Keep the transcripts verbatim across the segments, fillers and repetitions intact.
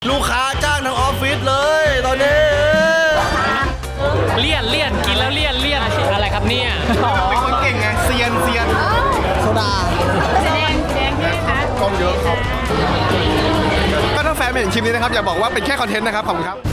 ลูกค้าจ้างทั้งออฟฟิศเลยตอนนี้เลี่ยนเลี่ยนกินแล้วเลี่ยนเลี่ยนอะไรครับเนี่ยเป็นคนเก่งไงเซียนเซียนโซดาแสดงแสดงด้วยค่ะกล้องเยอะครับก็ถ้าแฟนไม่เห็นคลิปนี้นะครับอย่าบอกว่าเป็นแค่คอนเทนต์นะครับขอบคุณครับ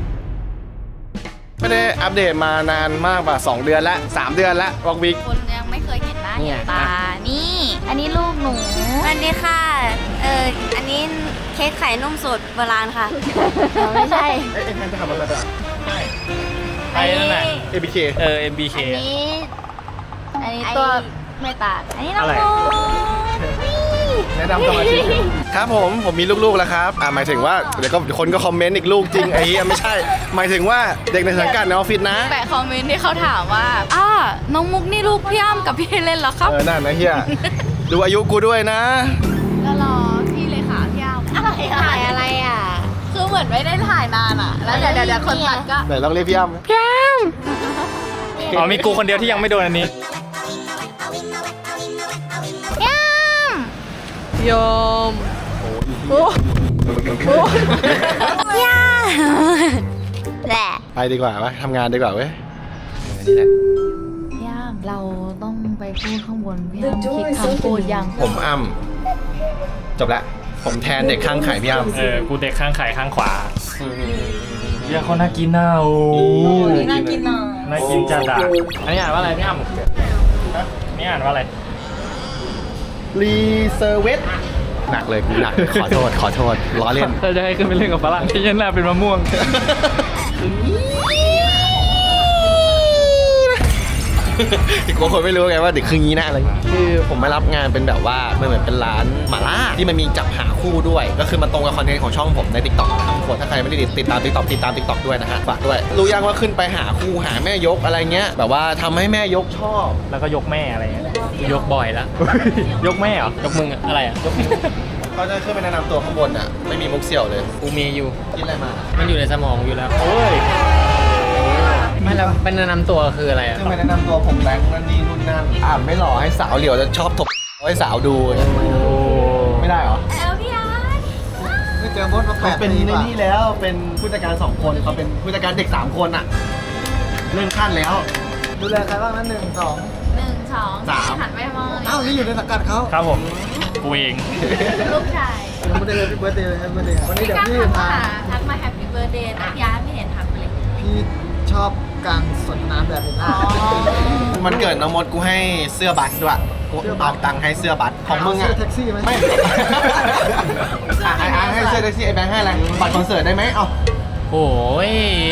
ไม่ได้อัปเดตมานานมากป่ะสองเดือนละสามเดือนละวอกวิกคนยังไม่เคยเห็นหน้าเห็นตานี่อันนี้ลูกหนูอันนี้ค่ะเอออันนี้เค้กไข่นุ่มสดโบราณค่ะไม่ใช่เอ๊ะแฟนจะทำอะไรแบบไอ้นั่นแหละเอ บี เคเออ เอ็ม บี เคอันนี้อันนี้ตัวไม่ตาอันนี้น้องโมแนะนำตัวมาชิครับผมผมมีลูกๆแล้วครับอ่าหมายถึงว่าเดี๋ยวก็คนก็คอมเมนต์อีกลูกจริงไอ้เหี้ยไม่ใช่หมายถึงว่าเด็กในสังกัดในออฟฟิศนะแต่คอมเมนต์ที่เขาถามว่าอ้าน้องมุกนี่ลูกพี่อ้ำกับพี่เล่นเหรอครับเออนั่นนะเฮียดูอายุกูด้วยนะแล้วรอพี่เลขาพี่อ้ำอะไรถ่ายอะไรอ่ะคือเหมือนไม่ได้ถ่ายนานอ่ะแล้วเดี๋ยวเดี๋ยวคนตัดก็ไหนลองเรียกพี่อ้ำพี่อ้อ๋อมีกูคนเดียวที่ยังไม่โดนอันนี้ยมโอ้โหย่าแหละไปดีกว่าวะทำงานดีกว่าเว้ยนี่แหละพี่อ้ำเราต้องไปพูดข้างบนพี่อ้ำคิดคำพูดยังผมอ้ำจบละผมแทนเด็กข้างไข่พี่อ้ำเออกูเด็กข้างไข่ข้างขวาเยี่ยคนน่ากินน่าโอ้น่ากินน่ะน่ากินจัดอ่ะอันนี้อ่านว่าอะไรพี่อ้ำนี่อ่านว่าอะไรรีเซอร์เวสหนักเลยกูหนักขอโทษขอโทษล้อเล่นถ้าจะให้ขึ้นไปเล่นกับฝรั่งที่ยันหน้าเป็นมะม่วงอีกคนไม่รู้ไงว่าเด็กคืองี้นะอะไรคือผมมารับงานเป็นแบบว่ามันเหมือนเป็นร้านหม่าล่าที่มันมีจับหาคู่ด้วยก็คือมันตรงกับคอนเทนต์ของช่องผมใน ติ๊กต็อก ทั้งหมดถ้าใครไม่ได้ติดตาม ติ๊กต็อก ติดตาม ติ๊กต็อก ด้วยนะฮะฝากด้วยรู้ยังว่าขึ้นไปหาคู่หาแม่ยกอะไรเงี้ยแบบว่าทำให้แม่ยกชอบแล้วก็ยกแม่อะไรเงี้ยยกบ่อยแล้วยกแม่เหรอยกมึงอะไรอ่ะยกเขาจะขึ้นไปแนะนำตัวข้างบนอ่ะไม่มีมุกเสี่ยวเลยกูมีอยู่กินอะไรมามันอยู่ในสมองอยู่แล้วโอ้ยไม่แล้วเป็นแนะนำตัวคืออะไรอ่ะขึ้นไปแนะนำตัวผมแบงค์นั่นนี่นู่นนั่นอ่านไม่หล่อให้สาวเหลียวจะชอบถกให้สาวดูไม่ได้เหรอแล้วพี่อาร์ตไม่เจอมดมาแปดปีเป็นในนี่แล้วเป็นผู้จัดการสองคนเขาเป็นผู้จัดการเด็กสามคนอ่ะเลื่อนขั้นแล้วดูแลใครบ้างนั้นหนึ่งสองหนึ่งสองสามหันไปมองเอ้านี่อยู่ในสังกัดเขาครับผมกูเองลูกชายยังไม่ได้เลยพี่เบิร์ดเดย์เลยครับเบิร์ดเดย์วันนี้เดี๋ยวพี่พาทักมาแฮปปี้เบิร์ดเดย์นะย้ายไม่เห็นทักเลยพี่ชอบการสนทนาแบบนี้มันเกิดน้องมดกูให้เสื้อบัตรด้วยกูเอาตังค์ให้เสื้อบัตรของมึงอะเสื้อแท็กซี่ไหมไม่ไอ้ให้เสื้อแท็กซี่ไอ้แบงค์ให้อะไรบัตรคอนเสิร์ตได้ไหมเอาโอ้ย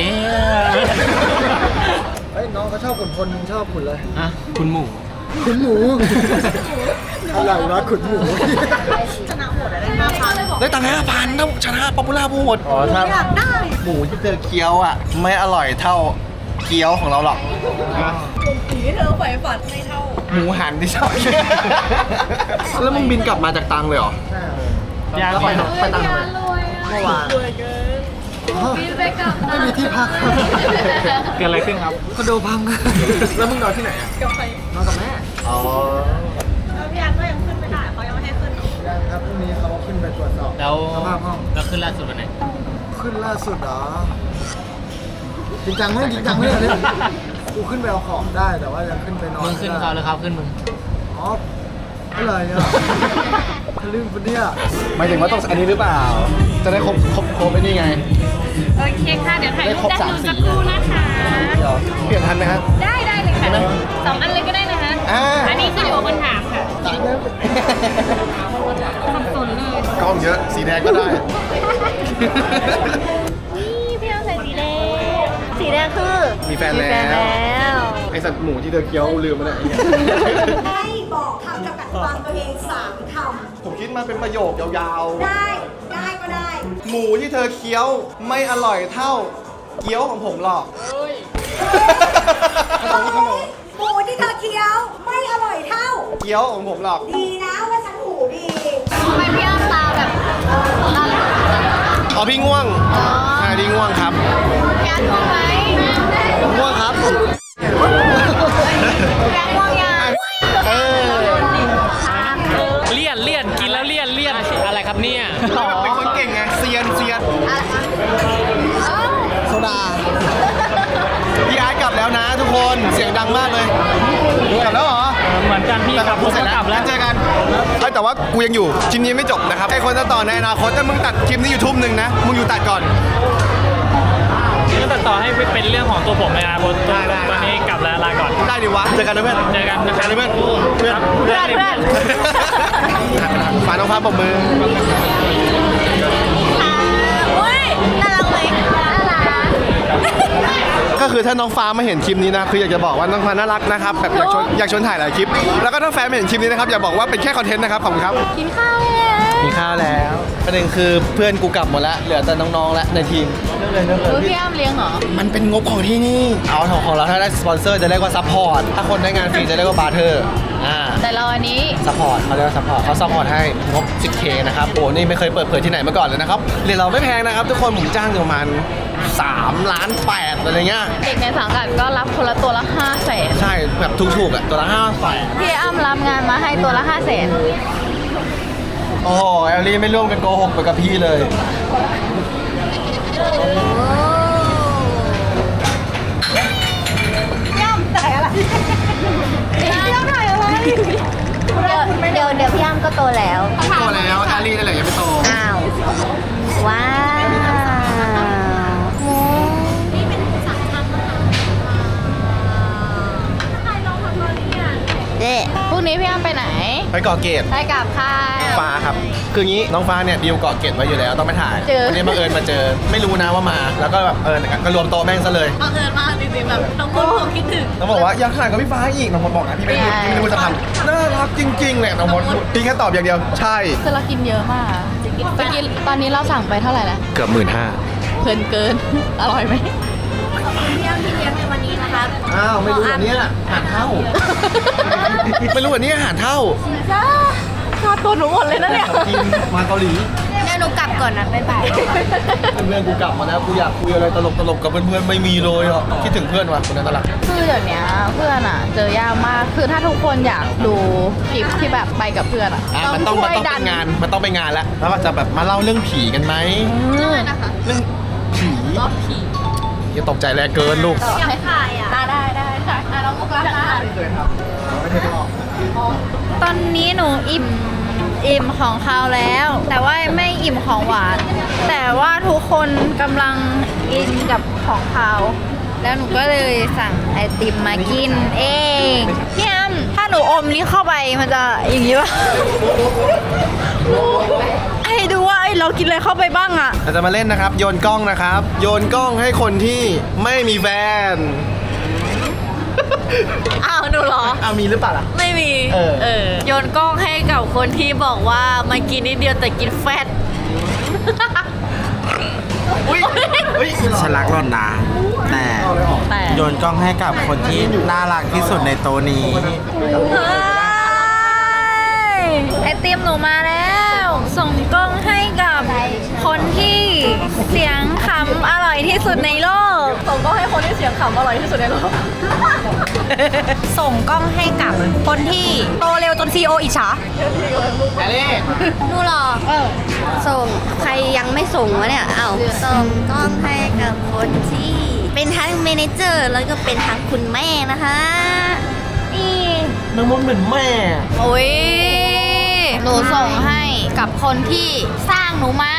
เฮ้ยน้องเขาชอบขุนพลมึงชอบขุนเลยอะขุนหมูขุนหมูอะไรวะขุนหมูชนะโหดได้ห้าพันได้ตังค์ห้าพันต้องชนะป๊อปปูล่าพูดอ๋อถ้าหมูที่เธอเคี้ยวอ่ะไม่อร่อยเท่าเกี๊ยวของเราหรอกสีที่เธอใฝ่ฝันไม่เท่าหมูหันที่ชอบแล้วมึงบินกลับมาจากตังเลยเหรอใช่ยากไปไปตังเลยเมื่อวานรวยเกินบินไปกลับไม่มีที่พักเกิดอะไรขึ้นครับคอนโดพังแล้วมึงนอนที่ไหนอ่ะกับใครนอนกับแม่อ๋อแล้วพี่อาร์ตก็ยังขึ้นไม่ได้เขายังไม่ให้ขึ้นยังครับพรุ่งนี้เขาขึ้นไปตรวจสอบแล้วสภาพห้องแล้วขึ้นล่าสุดวันไหนขึ้นล่าสุดเหรอจริงจังไหมจริงจังไหมเนี่ยกูขึ้นไปเอาของได้แต่ว่ายังขึ้นไปนอนมึงขึ้นเขาหรือเขาขึ้นมึงอ๋ออะไรอ่ะทะลึ่งปะเนี่ยหมายถึงว่าต้องอันนี้หรือเปล่าจะได้ครบครบครบไอ้นี่ไงโอเคค่ะเดี๋ยวถ่ายรูปได้ดูสักครู่นะคะเปลี่ยนทันไหมครับได้ได้เลยค่ะสองอันเลยก็ได้นะคะอันนี้คืออยู่บนถามค่ะสับสนเลยกล้องเยอะสีแดงก็ได้นี่พี่เอาใส่สีแดงสีแดงคือมีแฟนแล้วไอสัตว์หมูที่เธอเคี้ยวลืมมาแล้วให้บอกคำจำกัดความตัวเองสามคำผมคิดมาเป็นประโยคยาวๆได้ได้ก็ได้หมูที่เธอเคี้ยวไม่อร่อยเท่าเกี๊ยวของผมหรอกหมูที่เธอเคี้ยวไม่อร่อยเท่าเกี๊ยวของผมหรอกดีนะว่าฉันหูดีทำไมพี่อ้ำตาแบบอ๋อพี่ง่วงใช่พี่ง่วงครับพี่อ้ำง่วงไหมง่วงครับแบงค์ง่วงยังเออเลี่ยนเลี่ยนกินแล้วเลี่ยนเลี่ยนอะไรครับเนี่ยเป็นคนเก่งไงเซียนเซียนอะไรงดังมากเลยกลับแล้วเหรอเหมือนกันพี่กลับกูรถเสร็จก็แล้วกลับแล้วเจอกันเอ้ยแต่ว่ากูยังอยู่คลิปนี้ไม่จบนะครับไอคนจะต่อในอนาคตถ้ามึงตัดคลิปนี้อยู่ทุ่มหนึ่งนะมึงอยู่ตัดก่อนก็ตัดต่อให้เป็นเรื่องของตัวผมเลยนะตัวตัวตัวนี้กลับแล้วลาก่อนได้ดิวะเจอกันนะเพื่อนเจอกันนะคเจรัอบ กันนะเพื่อนเพื่อนเพื่อนเพื่อนฝากน้องฟ้าปมมืออุ้ยน่ารักไหมน่ารักก็คือถ้าน้องฟ้ามาเห็นคลิปนี้นะคืออยากจะบอกว่าน้องฟ้าน่ารักนะครับแบบอยากชวนอยากชวนถ่ายหลายคลิปแล้วก็ถ้าแฟนไม่เห็นคลิปนี้นะครับอย่าบอกว่าเป็นแค่คอนเทนต์นะครับขอบคุณครับกินข้าวแล้วมีข้าวแล้วประเด็นคือเพื่อนกูกลับหมดแล้วเหลือแต่น้องๆแล้วในทีมเรื่องเลยเรื่องเลเออย พี่อ้ำเลี้ยงเหรอมันเป็นงบของที่นี่เอาของของเราถ้าได้สปอนเซอร์จะเรียกว่าซัพพอร์ตถ้าคนได้งานฟรีจะเรียกว่าบาร์เทอร์อ่าแต่เราอันนี้ซัพพอร์ตเขาเรียกว่าซัพพอร์ตเขาซัพพอร์ตให้งบ สิบเค นะครับโอ้นี่ไม่เคยเปิดเผยที่ไหนมาก่อนเลยนะครับเรียนเราไม่แพงนะครับทุกคนผมจ้างอยู่ประมาณสามล้านแปดอะไรเงี้ยเด็กในสังกัดก็รับคนละตัวละห้าแสนใช่แบบถูกๆอ่ะตัวละห้าแสนพี่อ้ำรับงานมาให้ตัวละห้าแสนโอ้โหแอลลี่ไม่ร่วมกันโกหกไปกับพี่เลยเดี๋ยวเดี๋ยวพี่อ้ำก็โตแล้วโตแล้วแอลลี่นั่นแหละยังไม่โตอ้าว ว้าวโมนี่เป็นสังฆทานเจ๊พรุ่งนี้พี่อ้ำไปไหนไปเกาะเกตไปกับใครฟ้าครับ คืองี้น้องฟ้าเนี่ยดีลเกาะเกตไว้อยู่แล้วต้องไปถ่ายเจอวันนี้บังเอิญมาเจอ ไม่รู้นะว่ามา แล้วก็แบบเออก็รวมโต๊ะแม่งซะเลยบังเอิญมากจริงๆแบบน้องคนคงคิดถึงน้องบอกว่าอยากถ่ายกับพี่ฟ้าอีกน้องมดบอกนะพี่ไม่รู้พี่ไม่รู้จะทำน่ารักจริงๆเลยน้องมดพี่แค่ตอบอย่างเดียวใช่คือเรากินเยอะมากไปกินตอนนี้เราสั่งไปเท่าไหร่แล้วเกือบหมื่นห้าเพลินเกิน อร่อยไหมพี่อ้ำที่เลี้ยงในวันนี้นะครับอ้าวไม่รู้อันเนี้ยอาหารเท่า ไม่รู้อันนี้อาหารเท่าจ้าค่าตัวหนูหมดเลยนะเนี่ยกินมาเกาหลีเดี๋ยวหนูกลับก่อนนะบ๊ายบายเพื่อนกูกลับมาแล้วกูอยากคุยอะไรตลกๆกับเพื่อนๆไม่มีเลยอ่ะคิดถึงเพื่อนว่ะคนนั้นตลกคือเดี๋ยวนี้เพื่อนอ่ะ เจอยากมาก คือถ้าทุกคนอยากดูคลิปที่แบบไปกับเพื่อนอ่ะอ่ะมันต้องมันช่วยต้องดัเป็นงานมันต้องเป็นงานแล้วแล้วก็จะแบบมาเล่าเรื่องผีกันไหมอืมเรื่องผีอย่าตกใจแรงเกินลูกอยากถ่ายอ่ะอ่ะได้ได้ได้อ่ะน้องมุกรับนะ ตอนนี้หนูอิ่มอิ่มของคาวแล้ว แต่ว่าไม่อิ่มของหวาน แต่ว่าทุกคนกำลังอินกับของคาว แล้วหนูก็เลยสั่งไอติมมากินเองพี่อ้ำถ้าหนูอมนี้เข้าไปมันจะอย่างนี้ป่ะ ให้ดูว่าเอ้ยเรากินอะไรเข้าไปบ้างอะเราจะมาเล่นนะครับ โยนกล้องนะครับ โยนกล้องให้คนที่ไม่มีแฟนอ้าวหนูเหรออ้าวมีหรือเปล่าล่ะไม่มีเออเออโยนกล้องให้กับคนที่บอกว่ามากินนิดเดียวแต่กินแฟตอุ้ยอุ้ยฉันรักหล่อนนะ แต่แต่โยนกล้องให้กับคนที่น่ารักที่สุดในโต๊ะนี้เฮ้ยไอติมหนูมาแล้ว ส่งกล้องให้กับคนที่เสียงขำอร่อยที่สุดในโลก ส่งกล้องให้คนที่เสียงขำอร่อยที่สุดในโลกส่งกล้องให้กับคนที่โตเร็วจนซีโออิจฉาแอลลี่ดูหรอเออส่งใครยังไม่ส่งวะเนี่ย เอ้าส่งกล้องให้กับคนที่ เป็นทั้งเมเนเจอร์แล้วก็เป็นทั้งคุณแม่นะคะนี่น้องมดเหมือนแม่โอ้ยหนูส่งให้กับคนที่สร้างหนูมา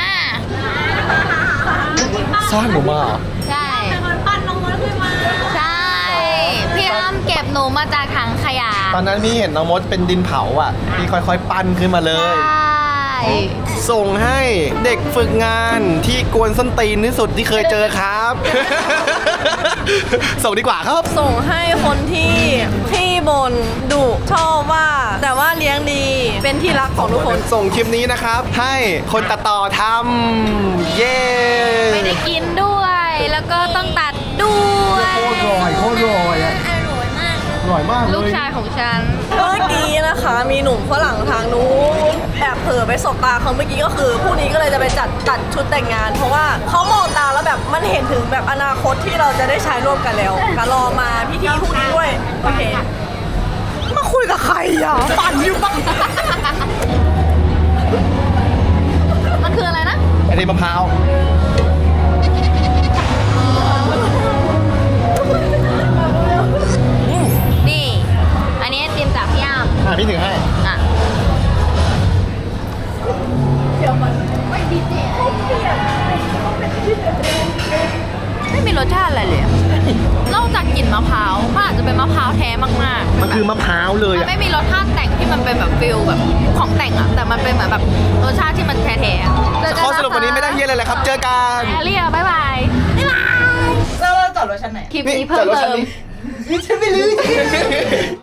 สร้างหนูมาเหรอใช่คนปั้นน้องมดขึ้นมา ใช่ พี่อ้ำเก็บหนูมาจากถังขยะตอนนั้นพี่เห็นน้องมดเป็นดินเผาอ่ะพี่ค่อยๆ ปั้นขึ้นมาเลยใช่ส่งให้เด็กฝึกงานที่กวนส้นตีนที่สุดที่เคยเจอครับ ส่งดีกว่าครับส่งให้คนที่ที่บนดุชอบว่า แต่ว่าเลี้ยงดีเป็นที่รักของทุกคนส่งคลิปนี้นะครับ ให้คนตัดต่อทำเย้ไม่ได้กินด้วย แล้วก็ต้องตัดด้วยโคตรอร่อยโคตรอร่อยอะอร่อยมากเลยอร่อยมากเลยลูกชายของฉันเมื่อกี้นะคะ มีหนุ่มฝรั่งทางนู้นแอบเผลอไปสบตาเขาเมื่อกี้ก็คือผู้นี้ก็เลยจะไปจัดตัดชุดแต่งงาน เพราะว่าเขามองตาแล้วแบบมันเห็นถึงแบบอนาคตที่เราจะได้ใช้ร่วมกันแล้วก็รอมาพิธีพรุ่งนี้ด้วยโอเคมาคุยกับใครอ่ะปั่นอยู่ปะมันคืออะไรนะไอติมมะพร้าวถือให้อ่ะไม่มีรสชาติอะไรเลยอะนอกจากกลิ่นมะพร้าวมันอาจจะเป็นมะพร้าวแท้มากๆมันคือมะพร้าวเลยมันอะไม่มีรสชาติแต่งที่มันเป็นแบบฟิลแบบของแต่งอะแต่มันเป็นเหมือนแบบรสชาติที่มันแท้ๆอะข้อสรุปวันนี้ไม่ได้เฮียอะไรเลยครับ เจอกันแอเรียบ๊ายบายบ๊ายบายแล้วเราจอดรถชั้นไหนคลิปนี้เพิ่มเติมนี่ฉันไม่รู้